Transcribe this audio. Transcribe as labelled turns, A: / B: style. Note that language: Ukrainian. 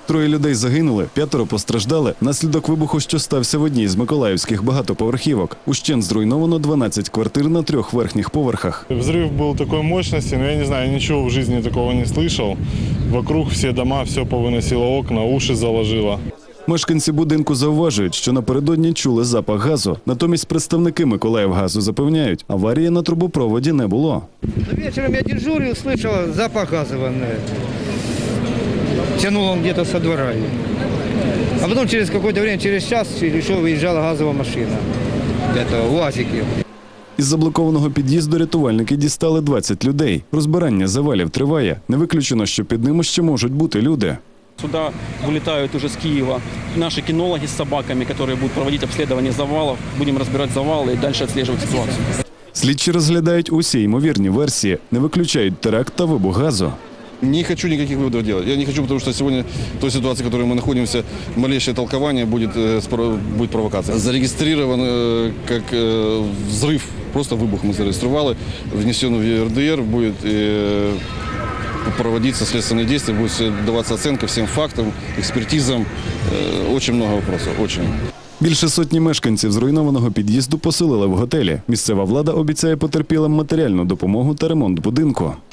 A: 3 людей загинули, 5 постраждали внаслідок вибуху, що стався в одній з миколаївських багатоповерхівок. Ущент зруйновано 12 квартир на 3 верхніх поверхах.
B: Взрыв был такой мощности, но я не знаю, ничего в жизни такого не слышал. Вокруг все дома, все повыносило окна, уши заложило.
A: Мешканці будинку зауважують, що напередодні чули запах газу. Натомість представники Миколаївгазу запевняють, аварії на трубопроводі не було.
C: Вечером я дежурил, слышал запах газового. Тянул он где-то со двора. А потом через какое-то время, через час или что, выезжала газовая машина. Это УАЗики.
A: Із заблокованого під'їзду рятувальники дістали 20 людей. Розбирання завалів триває. Не виключено, що під ними ще можуть бути люди.
D: Сюда вылетают уже с Киева наши кинологи с собаками, которые будут проводить обследование завалов. Будем разбирать завалы и дальше отслеживать ситуацию.
A: Слідчі розглядають усі ймовірні версії, не виключають теракт та вибух газу.
E: Не хочу никаких выводов делать. Я не хочу, потому что сегодня в той ситуации, в которой мы находимся, малейшее толкование будет провокация. Зарегистрирован как взрыв, просто выбух мы зарегистрировали, внесен в ЕРДР, будет проводиться следственные действия, будет даваться оценка всем фактам, экспертизам. Очень много вопросов, очень.
A: Більше сотні мешканців зруйнованого під'їзду поселили в готелі. Місцева влада обіцяє потерпілим матеріальну допомогу та ремонт будинку.